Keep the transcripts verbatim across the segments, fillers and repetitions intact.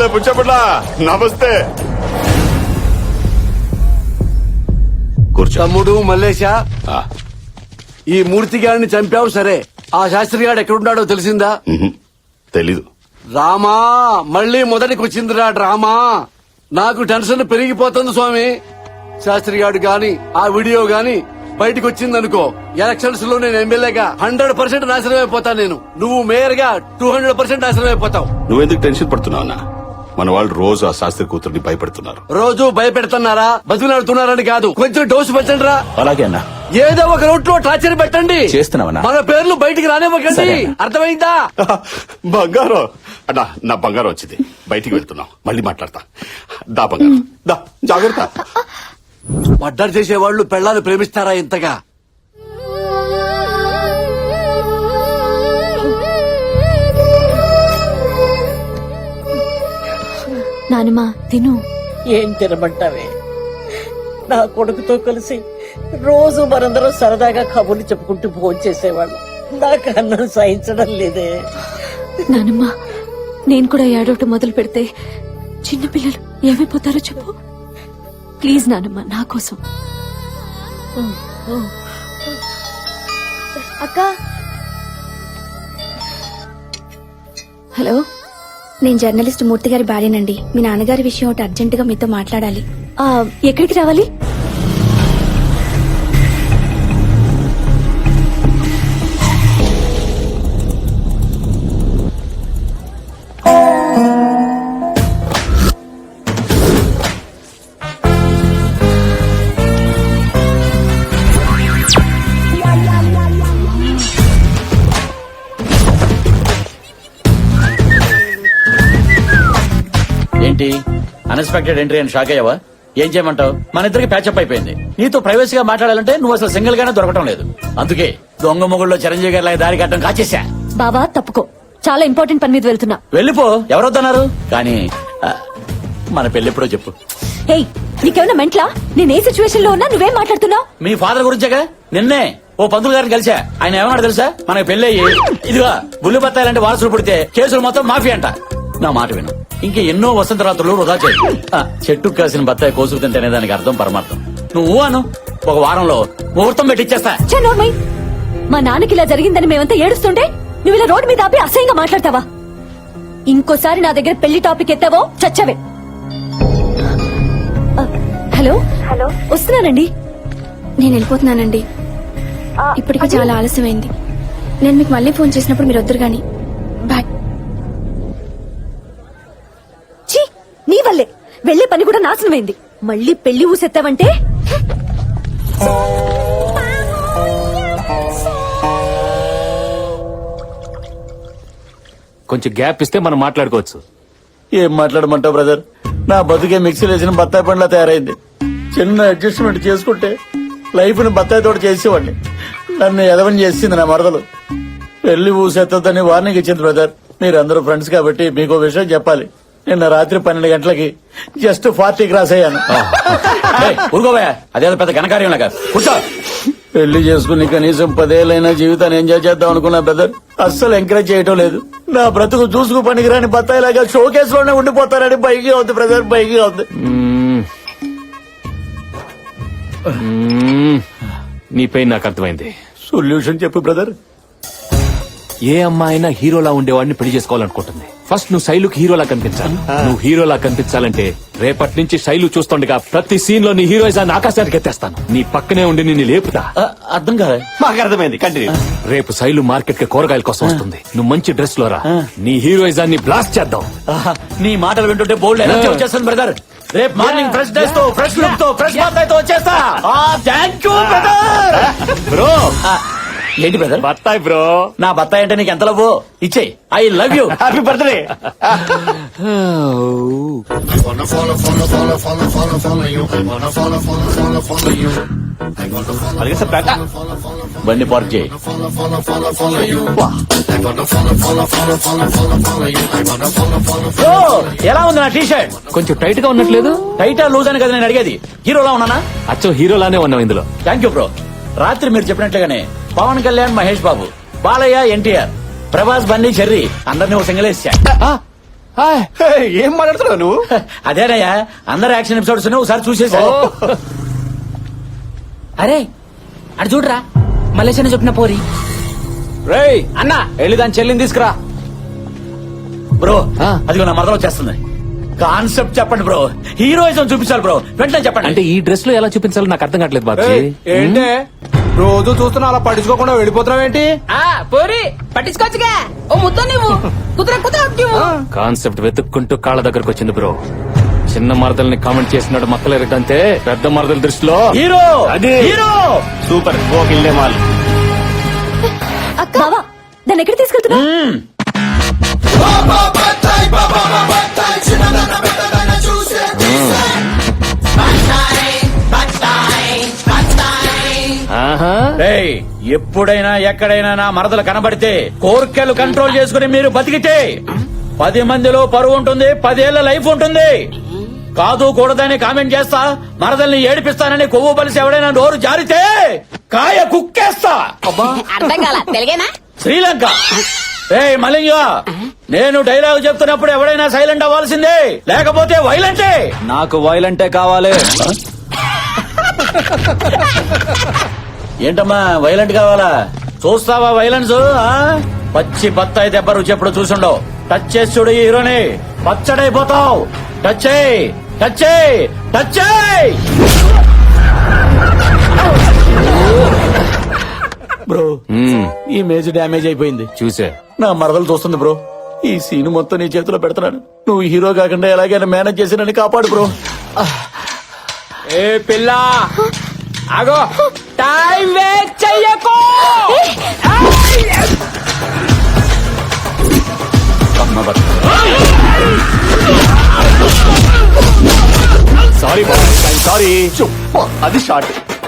నమస్తే పుచ్చపట్ల. నమస్తే. కూర్చో. తమ్ముడు మల్లేశ, ఆ, ఈ మూర్తి గారిని చంపావు సరే, ఆ శాస్త్రి గారు ఎక్కడున్నాడో తెలిసిందా? ఉహు, తెలీదు. రామా, మళ్ళీ మొదటికి వచ్చిందిరా డ్రామా. నాకు టెన్షన్ పెరిగిపోతుంది స్వామి. శాస్త్రి గారు గాని ఆ వీడియో గాని బయటకు వచ్చిందనుకో, ఎలక్షన్స్ లో నేను ఎమ్మెల్యేగా హండ్రెడ్ పర్సెంట్ నాశనం అయిపోతాను. నేను నువ్వు మేయర్ గా టూ హండ్రెడ్ పర్సెంట్ నాశనం అయిపోతావు. నువ్వెందుకు టెన్షన్ పడుతున్నావు అన్న? మన వాళ్ళు రోజు ఆ శాస్త్రి కూతుర్ని భయపెడుతున్నారు. రోజు భయపెడుతున్నారా, బతిలాడుతున్నారని కాదు, కొంచెం డోసు పెట్టండి రా. అలాగే అన్న. ఏదో ఒక రూట్ లో టార్చర్ పెట్టండి. చేస్తున్నావన్నా. మన పేర్లు బయటికి రానివ్వకండి. సరే అన్న. అర్థమైందా? బంగారం అన్నా, నా బంగారం వచ్చింది. బయటికి వెళ్తున్నాం, మళ్ళీ మాట్లాడతా. దా బంగారం, దా, జాగ్రత్త. మర్డర్ చేసేవాళ్లు పెళ్ళాలు ప్రేమిస్తారా ఇంతగా? నానమ్మా తిను. ఏం తినమంటావే? నా కొడుకుతో కలిసి రోజు మనందరం సరదాగా కబుర్లు చెప్పుకుంటూ భోజనం చేసేవాళ్ళం. నాకు అన్నం సహించడం లేదే. నానమ్మా, నేను కూడా ఏడవటం మొదలు పెడితే చిన్నపిల్లలు ఏమైపోతారో చెప్పు. ప్లీజ్ నానమ్మా, నా కోసం. అక్క, హలో, నేను జర్నలిస్ట్ మూర్తి గారి భార్యనండి. మీ నాన్నగారి విషయం ఒకటి అర్జెంట్ గా మీతో మాట్లాడాలి. ఆ, ఎక్కడికి రావాలి? ఏంటి అన్ఎక్స్పెక్టెడ్ ఎంట్రీ అని షాక్ అయ్యావా? ఏం చేయమంటావు? మన ఇద్దరికి ప్యాచప్ అయిపోయింది. నీతో ప్రైవసీగా మాట్లాడాలంటే నువ్వు అసలు సింగిల్ గానే దొరకటం లేదు. అందుకే దొంగ మొగుళ్ళలో చిరంజీవి గారి లాగా దారి కట్టడం కాచేసా. బావా తప్పుకో, చాలా ఇంపార్టెంట్ పని మీద వెళ్తున్నా. వెళ్ళిపో, ఎవరొద్దన్నారు? కానీ ఆ, మన పెళ్ళెప్పుడో చెప్పు. హేయ్, నీకేమైనా మెంట్లా? నేను ఏ సిచ్యువేషన్ లో ఉన్నా నువ్వేం మాట్లాడుతున్నావు? మీ ఫాదర్ గురించేగా. నిన్నే ఓ పంతులు గారిని కలిసా. ఆయన ఏమన్నాడు తెలుసా? మనకి పెళ్లి అయ్యి ఇదిగా బుల్లి బత్తాయిలాంటి వారసులు పుడితే కేసులు మొత్తం మాఫీ అంట. నా మాట విను, ఇంక ఎన్నో వసంత రాత్రులు వృధా చేయి. ఆ, చెట్టుకు కాసిన బత్తాయి కోసుకు తింటేనే దానికి అర్థం పరమార్థం. నువ్వు అను, ఒక వారంలో ముహూర్తం పెట్టిచ్చేస్తా. ఛే, నోర్మై. మా నాన్నకి ఇలా జరిగిందని మేమంతా ఏడుస్తుంటే నువ్వు ఇలా రోడ్డు మీద ఆపి అసహ్యంగా మాట్లాడతావా? ఇంకోసారి నా దగ్గర పెళ్లి టాపిక్ ఎత్తావో చచ్చవే. ఆ, హలో హలో, వస్తున్నానండి. నేను వెళ్ళిపోతున్నానండి. ఇప్పటికే చాలా ఆలస్యమైంది. నేను మీకు మళ్ళీ ఫోన్ చేసినప్పుడు మీరు వద్దురు గాని. బాయ్. ఛీ, నీ వల్లే వెళ్లే పని కూడా నాశనమైంది. మళ్ళీ పెళ్లి ఊసెత్తావంటే కొంచెం గ్యాప్ ఇస్తే మనం మాట్లాడుకోవచ్చు. ఏం మాట్లాడమంటావు బ్రదర్? నా బతుకే మిక్సీలో వేసిన బత్తాయి పండ్లా తయారైంది. చిన్న అడ్జస్ట్మెంట్ చేసుకుంటే లైఫ్ ని బత్తాయి తోట చేసేవాడిని. నన్ను ఎదవని చేసింది నా మరదలు. పెళ్లి ఊసెత్తదని వార్నింగ్ ఇచ్చింది బ్రదర్. మీరందరూ ఫ్రెండ్స్ కాబట్టి మీకు విషయం చెప్పాలి. నిన్న రాత్రి పన్నెండు గంటలకి జస్ట్ ఫార్టీ క్రాస్ అయ్యాను. ఊరుకోవా, అదేదో పెద్ద ఘనకార్యం లాగా. కూర్చో. పెళ్లి చేసుకుని కనీసం పదేళ్ళైనా జీవితాన్ని ఎంజాయ్ చేద్దాం అనుకున్నా బ్రదర్. అస్సలు ఎంకరేజ్ చేయటం లేదు. నా బ్రతుకు చూసుకు పనికిరాని బత్తాయిలాగా షోకేస్ లోనే ఉండిపోతారని బైకి అవుతుంది బ్రదర్, బైకి అవుతుంది. నీ పెయిన్ నాకు అర్థమైంది. సొల్యూషన్ చెప్పు బ్రదర్. ఏ అమ్మాయినా హీరోలా ఉండేవాడిని పెళ్లి చేసుకోవాలనుకుంటుంది. ఫస్ట్ నువ్వు శైలుకి హీరోలా కనిపించాలి. నువ్వు హీరోలా కనిపించాలంటే రేపటి నుంచి శైలు చూస్తుండగా ప్రతి సీన్ లో నీ హీరోయిజాన్ని ఆకాశానికి ఎత్తేస్తాను. నీ పక్కనే ఉండి నిన్ను లేపుతా. అర్థం కాదు. మాకు అర్థమైంది, కంటిన్యూ. రేపు శైలు మార్కెట్ కి కూరగాయల కోసం వస్తుంది. నువ్వు మంచి డ్రెస్ లో రా. నీ హీరోయిజాన్ని బ్లాస్ట్ చేద్దాం. నీ మాటలు వింటుంటే బోల్డ్ ఎనర్జీ వచ్చేస్తుంది బ్రదర్. రేపు మార్నింగ్ ఫ్రెష్ డ్రెస్ తో, ఫ్రెష్ లుక్ తో, ఫ్రెష్ బాత్ వచ్చేస్తా. Thank you brother. బ్రో, ఏంటి బ్రదర్? బత్తాయి బ్రో. నా బత్తాయి అంటే నీకు ఎంత లవ్? ఇచ్చే. I love you. Happy birthday. బండి పార్క్ చేయి. ఎలా ఉంది నా టీ షర్ట్? కొంచెం టైట్ గా ఉన్నట్లేదు. టైటా లూజ్ అని కదా నేను అడిగేది. హీరోలా ఉన్నానా? అచ్చో హీరోలానే ఉన్నావు ఇందులో. Thank you bro. రాత్రి మీరు చెప్పినట్లుగానే పవన్ కళ్యాణ్, మహేష్ బాబు, బాలయ్య, ఎన్టీఆర్, ప్రభాస్, బన్నీ, చెర్రీ అందరినీ ఒక సింగలేసా. ఏం మాట్లాడుతున్నావు నువ్వు? అదేనయ్యా అందరు యాక్షన్ ఎపిసోడ్స్ ఒకసారి చూసేసా అరే అటు చూడరా మలేషియా చెప్పిన పోరి. రేయ్ అన్న వెళ్ళి దాని చెల్లిని తీసుకురా. బ్రో ఆ. అదిగో నా మరదలు వచ్చేస్తుంది. కాన్సెప్ట్ చెప్పండి బ్రో, హీరోయిజం చూపించాలి బ్రో, వెంటనే చెప్పండి. అంటే ఈ డ్రెస్ లో ఎలా చూపించాలో నాకు అర్థం కావట్లేదు బాబీ. ఏంటే రోజు చూస్తున్నా అలా పట్టించుకోకుండా వెళ్ళిపోతున్నావేంటి? ఆ పోరి పట్టించుకోవచ్చుగా, ఓ ముద్ద నువ్వు కుదుర కుదుర నువ్వు. కాన్సెప్ట్ వెతుక్కుంటూ కాళ్ళ దగ్గరకు వచ్చింది బ్రో. చిన్న మరదల్ని కామెంట్ చేసినాడు మక్కలేరటంతే పెద్ద మరదల దృష్టిలో హీరో అది హీరో సూపర్ ఓకిల్లే మాల్. అక్క బావా దాన్ని ఎక్కడ తీసుకెళ్తున్నా? ఆహా. రేయ్, ఎప్పుడైనా ఎక్కడైనా నా మరదలు కనబడితే కోర్కెలు కంట్రోల్ చేసుకుని మీరు బతికితే పది మందిలో పరువు ఉంటుంది, పదేళ్ల లైఫ్ ఉంటుంది. కాదు కూడదని కామెంట్ చేస్తా, మరదల్ని ఏడిపిస్తానని కొవ్వు బలిసి ఎవడైనా నోరు జారితే కాయ కుక్కేస్తా. అర్థం కాల తెలుగేనా? శ్రీలంక. ఏయ్ మలింగ, నేను డైలాగ్ చెప్తున్నప్పుడు ఎవడైనా సైలెంట్ అవ్వాల్సిందే, లేకపోతే వైలెంటే. నాకు వైలెంటే కావాలి. ఏంటమ్మా వైలెంట్ కావాలా? చూస్తావా వైలెన్స్? ఆ? పచ్చి బత్తాయి దెబ్బ రుచి ఎప్పుడు చూసుండవు. టచ్ చేసి చూడు ఈ హీరోని, పచ్చడైపోతావు. టచ్ చేయి, టచ్ చేయి, టచ్ చేయి. బ్రో మ్మ్. ఈ మేజ్ డ్యామేజ్ అయిపోయింది. చూసే నా మరదలు చూస్తుంది బ్రో. ఈ సీన్ మొత్తం నీ చేతిలో పెడుతున్నాను. నువ్వు హీరో కాకుండా ఎలాగైనా మేనేజ్ చేసి నన్ను కాపాడు బ్రో. ఏ పిల్ల ఆగో, టైం వేస్ట్ చెయ్యకు. Sorry sorry. అది షార్ట్.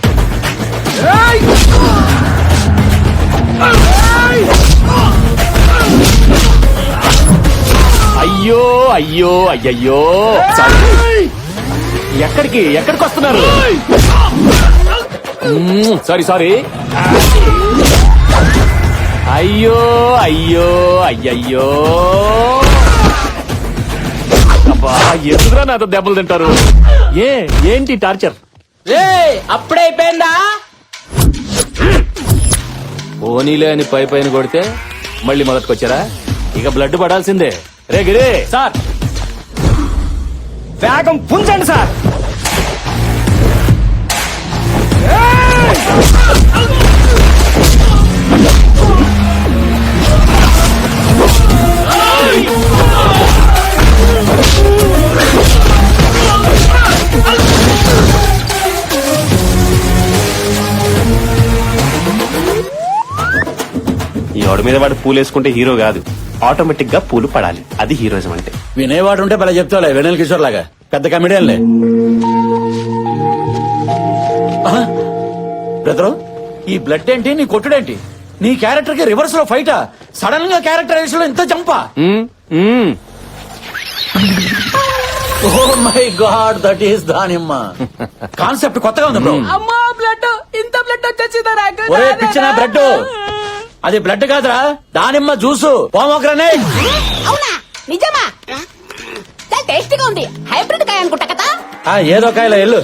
అయ్యో అయ్యో అయ్యయ్యో. సారీ. ఎక్కడికి ఎక్కడికి వస్తున్నారు? మ్మ్, సారీ సారీ. అయ్యో అయ్యో అయ్యయ్యో. అబ్బా ఎందుకురా నాతో దెబ్బలు తింటారు? ఏ ఏంటి టార్చర్? ఏ అప్పుడే అయిపోయిందా? పోనీలే అని పై పైన కొడితే మళ్ళీ మొదటికొచ్చారా? ఇక బ్లడ్ పడాల్సిందే. రే గిరే సార్ వేగం పుంజండి సార్. ఈ వాడి మీద వాడు పూలు వేసుకుంటే హీరో కాదు, ఆటోమేటిక్ గా పూలు పడాలి. అది హీరోయిజం అంటే. వినేవాడు ఉంటే భలే చెప్తావులే, వెనల్ కిషోర్ లాగా పెద్ద కమెడియన్లే. బ్రదరు, ఈ బ్లడ్ ఏంటి, నీ కొట్టుడేంటి? నీ క్యారెక్టర్ కి రివర్స్ లో ఫైటా? సడన్ గా క్యారెక్టరైజేషన్ లో ఇంత జంపా? మ్మ్, మ్మ్. Oh my god, that is దానిమ్మ. కాన్సెప్ట్ కొత్తగా ఉంది బ్రో. అమ్మా బ్లడ్, ఇంత బ్లడ్ వచ్చేసిందా నాకు? ఒరే పిచ్చిన బ్లడ్, అది బ్లడ్ కాదురా, దానిమ్మ జ్యూసు, పోమోగ్రనేట్. అవునా నిజమా? చాలా టేస్టీగా ఉంది. హైబ్రిడ్ కాయ అనుకుంటా కదా. ఆ, ఏదో కాయల ఎల్లు.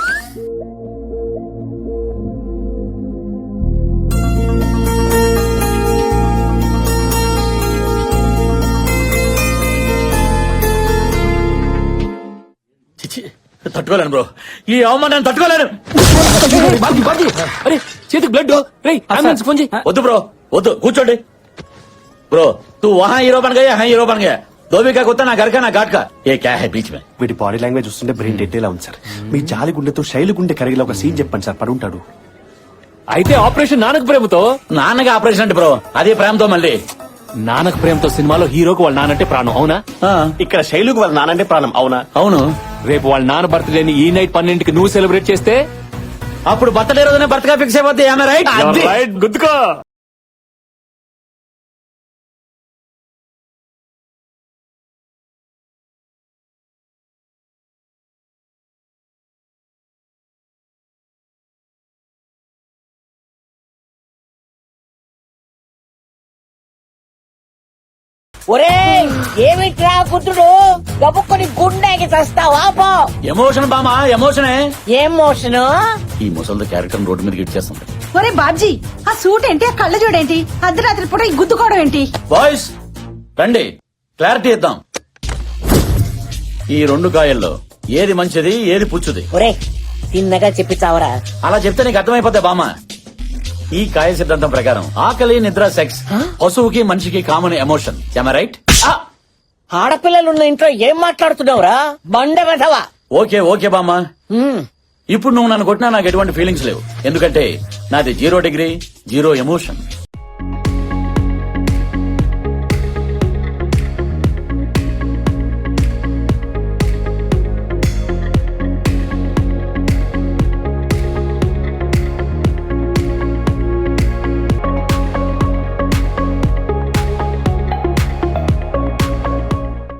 చిచి, తట్టుకోలేను బ్రో, ఈ అవమానాన్ని తట్టుకోలేను. బాబీ, బాబీ. అరే చేతికి బ్లడ్. రే అంబులెన్స్ ఫోన్ చేయి. వద్దు బ్రో, వద్దు, కూర్చోండి. బ్रो तू वहाँ हीरो बन गया, यहाँ हीरो बन गया. धोबी का कुत्ता ना घर का ना घाट का. ये क्या है बीच में? వీటి బాడీ లాంగ్వేజ్ చూస్తుంటే బ్రెయిన్ డెడ్ ఎలా ఉంది సార్. మీ జాలి గుండెతో శైలి గుండె కరిగిలా ఒక సీన్ చెప్పండి సార్, పడుంటాడు. అయితే ఆపరేషన్ నానక ప్రేమతో. నాన్నగా ఆపరేషన్ అంటే బ్రో, అదే ప్రేమతో మళ్ళీ. నానక ప్రేమతో సినిమాలో హీరోకి వాళ్ళ నానంటే ప్రాణం, అవునా? ఆ, ఇక్కడ శైలుకు వాళ్ళ నానంటే ప్రాణం, అవునా? అవును. రేపు వాళ్ళ నాన్న బర్త్డేని ఈ నైట్ పన్నెండుకి నువ్వు సెలబ్రేట్ చేస్తే అప్పుడు బర్త్డే రోజునే బర్త్గా ఫిక్స్ అయిపోతే రైట్. గుర్తుకో. ఒరే ఏమిట్రా కుతుడు గబుక్కుని గుండెకి చస్తావా పో ఎమోషన్ బామా ఎమోషనే ఏం మోషను ఈ ముసలి క్యారెక్టర్ రోడ్డు మీదకి ఇచ్చేస్తుంది. ఒరే బాబ్జీ ఆ సూట్ ఏంటి ఆ కళ్ళ చూడేంటి అర్ధరాత్రి పూట ఈ గుద్దుకోవడం ఏంటి బాయ్స్ రండి క్లారిటీ ఇద్దాం. ఈ రెండు కాయల్లో ఏది మంచిది ఏది పుచ్చుది ఒరే తిన్నగా చెప్పి చావరా అలా చెప్తే నీకు అర్థమైపోతాయి బామ్మ. ఈ కాయ సిద్ధాంతం ప్రకారం ఆకలి నిద్ర సెక్స్ పశువుకి మనిషికి కామన్ ఎమోషన్. రైట్? ఆడపిల్లలున్న ఇంట్లో ఏం మాట్లాడుతున్నావురా బండ వెధవా ఓకే ఓకే బామ్మ. ఇప్పుడు నువ్వు నన్ను కొట్టినా నాకు ఎటువంటి ఫీలింగ్స్ లేవు, ఎందుకంటే నాది జీరో డిగ్రీ జీరో ఎమోషన్.